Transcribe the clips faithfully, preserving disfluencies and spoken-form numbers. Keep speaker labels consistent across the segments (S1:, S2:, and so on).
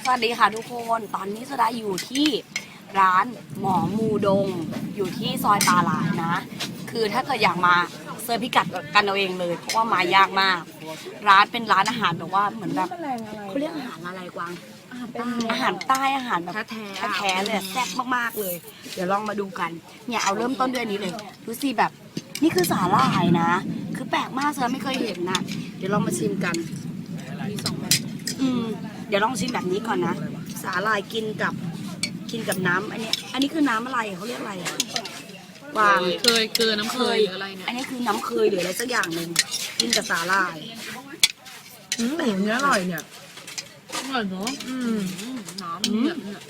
S1: วัสดีค่ะทุกคนตอนนี้สุดาอยู่ที่ร้านหมอมูดงอยู่ที่ซอยปาหลายนะคือถ้าเกิดอยากมาเซิร์ชพิกัดกันเอาเองเลยเพราะว่ามายากมากร้านเป็นร้านอาหารแบบว่าเหมือนแบบเขาเรียกอาหารอะไรกวางอาหารใต้อาหารแบบแท้แท้เลยแซ่บมากๆเลยเดี๋ยวลองมาดูกันเนี่ยเอาเริ่มต้นด้วยนี้เลยดูสิแบบนี่คือสาหร่ายนะคือแปลกมากเซิร์ชไม่เคยเห็นนะเดี๋ยวลองมาชิมกันมีสองแบบอืมเดี๋ยวลองชิมแบบนี้ก่อนนะสาหร่ายกินกับกินกับน้ำอันนี้อันนี้คือน้ำอะไรเขาเรียกอะไรอะวาง
S2: เคยเกลือน้ำเคยหรืออะไรเนี่ย
S1: อันนี้คือน้ำเคยหรืออะไรสักอย่างหนึ่งกินกับสาหร่าย
S3: อืมเนื้ออร่อยเนี่ย
S2: อร่อยเนาะ
S3: อืม
S2: น้ำเนี่ยเนี่ย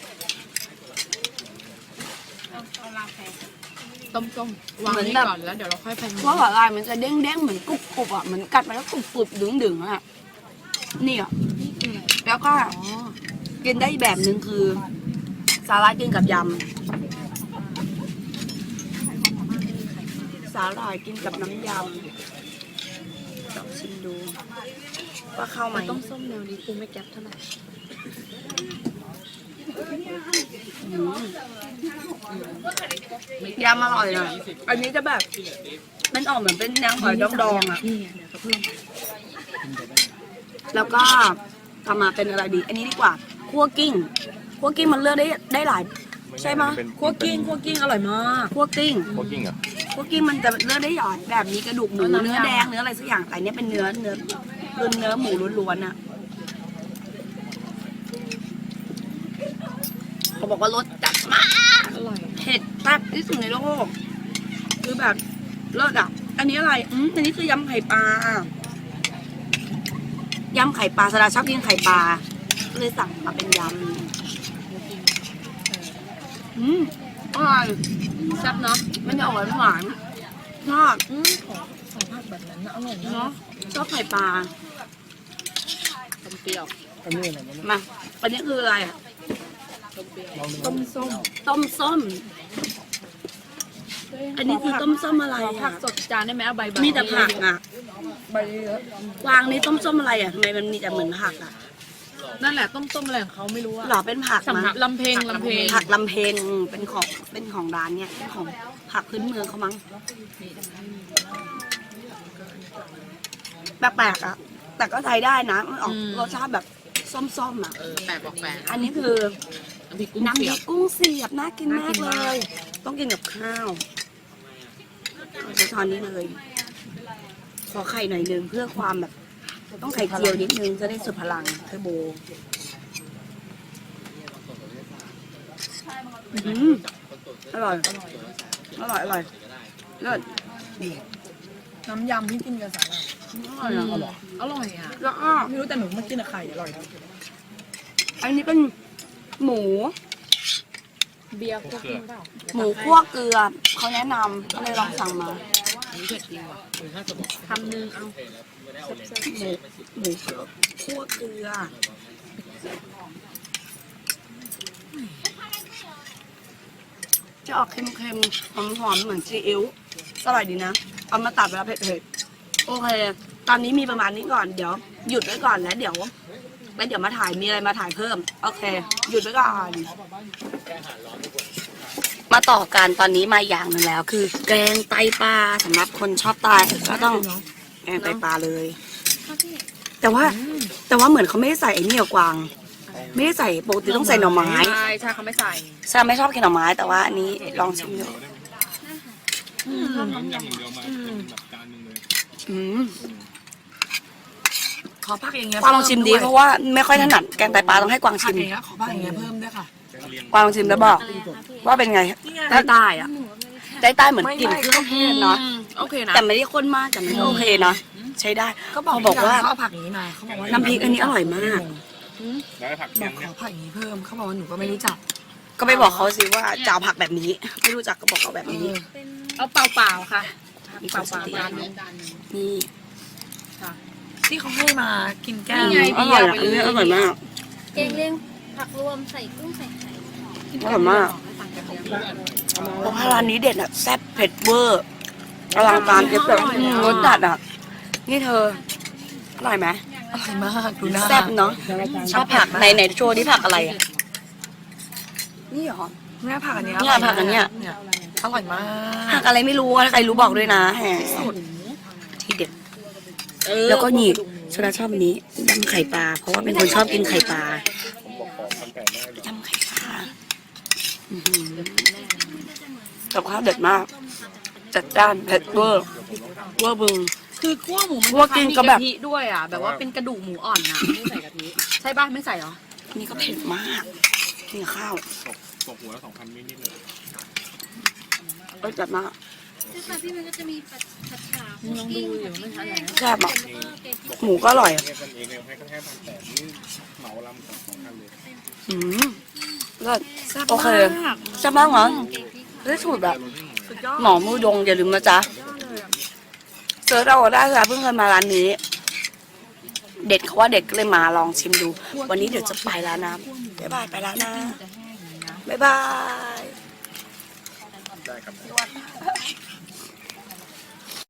S2: ต้มต้มวางนี่ก่อนแล้วเดี๋ยวเราค่อยไป
S1: เพราะสาหร่ายมันจะเด้งเด้งๆเหมือนกรุบกรุบอ่ะเหมือนกัดไปแล้วกรุบกรุบดึงดึงๆอ่ะนี่อ่ะแล้วก็
S2: อ๋อ
S1: กินได้อีกแบบหนึ่งคือสาหร่ายกินกับยำสาหร่ายกินกับน้ำยำลองชิมดูว่าเข้าไหม
S2: ต้มส้มแนวนี้กูไม่แก๊ปเท่าไหร่
S1: อืมยำอร่อยนะอันนี้จะแบบมันออกเหมือนเป็นแนวหอยดองๆอ่ะ
S2: นี่เดี๋ยวเขาเพิ่ม
S1: แล้วก็ทำมาเป็นอะไรดี อันนี้ดีกว่าคั่วกิ้งคั่วกิ้งมันเลือกได้ได้หลายใช่ไหม
S3: คั่วกิ้งคั่วกิ้งอร่อยมาก
S1: คั่วกิ้ง
S4: โคกิ้งเหรอ่ะ
S1: คั่วกิ้งมันจะเลือกได้หลายแบบนี้กระดูกหมูเนื้อแดงเนื้ออะไรสักอย่างแต่อันนี้เป็นเนื้อเนื้อคือเนื้อหมูล้วนๆอ่ะเขาบอกว่ารสจัดมาก
S2: อร่อย
S1: เผ็ดแซ่บที่สุดในโลกคือแบบเลิศอ่ะอันนี้อะไรอืมอันนี้คือยำไข่ปลายำไข่ปลาสดาชอบกินไข่ปลาก็เลยสั่งมาเป็นยำอืมอร่อย
S2: แซ่บเนาะ
S1: มันจะออกหวานๆชอบ
S2: อืมของของผักแบบนั้นน่ะอร่อย
S1: เนาะ
S2: เนาะ
S1: ชอบไข่ปลา
S2: ต้มเปรี้ยว
S1: มาอันนี้คืออะไรอ่ะ
S2: ต้มส้ม
S1: ต้มส้ม อันนี้คือต้มส้มอะไร
S2: ขอผั
S1: อ่ะ
S2: กสดจานได้ไหมเอาใบใบ
S1: มีแต่ผักอ่ะ
S3: ใบเยอะ
S1: วางนี้ต้มส้มอะไรอ่ะทำไมมันมีแต่เหมือนผักอ่ะ
S2: นั่นแหละต้มส้มอะไรของเขาไม่รู้อะ
S1: หรอเป็นผัก
S2: สำ
S1: มั้
S2: นัก
S1: ง
S2: ลำเพลงลำเพลง
S1: ผักลำเพงเป็นของเป็นของร้านเนี่ยของผักพื้นเมืองเขามั้งแปลกๆอ่ะ แต่ก็ใช้ได้นะมันออกรสชาติแบบส้มๆอ่ะ
S2: เออแปลกบอกแปลก
S1: อันนี้คือ
S2: น้ำพริกกุ้ง
S1: น้ำพ
S2: เสี
S1: ริ
S2: ย
S1: ก
S2: บ
S1: กุ้งเสียบน่ากิน
S2: น่ากิ
S1: มาก
S2: น
S1: เล
S2: มาก
S1: ย ต้องกินกับข้าวเอาใช้ช้อนนี้เลย ขอไข่หน่อยนึงเพื่อความแบบ ต้องไข่เจียวนิดนึงจะได้สุดพลังเทอร์โบอืมอร่อย อร่อย อร่อยเลิศ
S3: น้ำยำที่กินกับสาหร่าย
S1: อร่อยอะ
S2: อร่อยอ่ะ
S1: แล้วก็
S3: ไม่รู้แต่หนูมากินกับไข่อร่อยนะ
S1: อันนี้เป็นหมู
S2: เบียร์พวกนี้เปล่า
S1: หมูคั่วเกลือเขาแนะนำก็เลยลองสั่งมา
S2: อันนี้เผ็ดจริงว่ะคำนึงเอา
S1: หมูหมูคั่วเกลือ จะออกเค็มๆ หอมๆ เหมือนซีอิ๊วอร่อยดีนะ เอามาตัดเวลาเผ็ดๆ โอเค ตอนนี้มีประมาณนี้ก่อน เดี๋ยวหยุดไว้ก่อนแล้วเดี๋ยวแล้วเดี๋ยวมาถ่าย มีอะไรมาถ่ายเพิ่ม โอเค หยุดไว้ก่อน มาต่อกันตอนนี้มาอย่างหนึ่งแล้ว คือแกงไตปลาสำหรับคนชอบไตก็ต้องแกงไตปลาเลย แต่ว่าแต่ว่าเหมือนเขาไม่ได้ใส่ไอ้นี่อะกวาง ไม่ได้ใส่ปกติต้องใส่หน่อไม้
S2: ใช่ใช่เขาไม่ใส่
S1: ซาไม่ชอบกินหน่อไม้แต่ว่าอันนี้ลองชิมดูอืม
S3: ขอผักอย่างเงี้ย
S1: กวางลองชิมดีเพราะว่าไม่ค่อยถนัดแกงไตปลาต้องให้กวาง
S3: ผั
S1: ชิ
S3: ก
S1: ม
S3: อย่างเงี้ยขอผักอย่างเงี้ยเพิ่มด้วยค่ะ
S1: กวางลองชิมแล้วบอก ว่าเป็นไงใต้ใต้อะใต้ใต้เหมือนกลิ่นเครื่องเทศเนาะ
S2: โอเคนะ
S1: แต่ไม่ได้ข้นมากแต่มันก็โอเคเนาะใช้ได้
S3: ก็บอก
S1: เขาบอกว่า
S3: เขาเอาผักอย่างนี้มาเขาบอกว่า
S1: น้ำพริกอันนี้อร่อยมาก
S4: แล้วผัก
S3: บ
S4: เคี
S3: อย ก
S4: ง
S3: ข
S4: เนี่
S3: อย ผักอย่างนี้เพิ่มเขาบอกว่าหนูก็ไม่รู้จัก
S1: ก็ไปบอกเขาสิว่าจะเอาผักแบบนี้ ไม่รู้จักก็บอกเขาแบบนี้
S2: เอาเปล่าเปล่าๆค่ะ
S1: มีค
S2: เปล่าว
S1: าม
S2: เป
S1: ส
S2: ล่า
S1: ติ
S2: จานนึง
S1: นี่
S3: ที่เขาให้มากินแก้ว
S2: นี่ไง
S1: อร่อยอ่ะอันนี้อร่อยมาก
S5: แกงเลี้ยงผักรวมใส่กุ้งใส่ไข่
S1: อร่อยมากเพราะว่าร้านนี้เด็ดอ่ะแซ่บเผ็ดเวอร์อลังการเก็บแบบรสจัดอ่ะ นี่เธออร่อยไหม
S5: อย่าง
S3: อร่อยมากดูหน้า
S1: แซ่บเนาะชอบผัก
S3: มาก
S1: ในในโชว์ที่ผักอะไรอ่ะนี่เหรอ
S3: แม่ผักอันเนี้ย
S1: เนี่ยผักอันเนี้ย
S3: เนี่ยอร่อยมาก
S1: ผักอะไรไม่รู้อะถ้าใครรู้บอกด้วยนะแหมที่เด็ด แล้วก็นี่ชนะชอบอันนี้ยำไข่ปลาเพราะว่าเป็นคนชอบกินไข่ปลายำไข่ปลาอื้อหือกับข้าวเด็ดมาก จัดจ้านเผ็ดเวอร์เวอร์บึง
S2: คือคั่วหมูมัน
S1: คั่วกินกับแบบ
S2: มีะทิด้วยอ่ะ แบบว่าเป็นกระดูกหมูอ่อนนะไม่ใส่กะทิ ใช่ป่ะไม่ใส่เหรอ
S1: นี่ก็เผ็ดมากกินกับข้าว
S4: ตกหัวละสองพันนิดๆเลย
S1: เอ้ยจัดมาก
S5: ซึ่งค่ะพี่มันก็จะมีผัดผัดฉา
S2: มึงลองดูอยู่ไม่ทันแล้ว
S1: แซ่บอ่ะ
S5: แล้วก็แกงพริก
S1: หมูก็อร่อยอะ
S4: เรียกกันเองเลยให้ก็แค่พันแปดนี่เหมาลำสองสองพันเลย
S1: อืมเลิศ
S3: แซ่บ
S1: โอเค
S3: มาก
S1: แซ่บมากเหรอ
S5: แกงพริก
S1: ได้สูตรแบบ
S3: สุดยอด
S1: หมอมูดงอย่าลืมนะจ๊ะเจอเราได้ค่ะเพิ่งเคยมาร้านนี้ เด็ดเขาว่าเด็ดก็เลยมาลองชิมดู วันนี้เดี๋ยวจะไปแล้วนะบ๊ายบายไปแล้วนะบ๊ายบาย
S4: ได้ครับ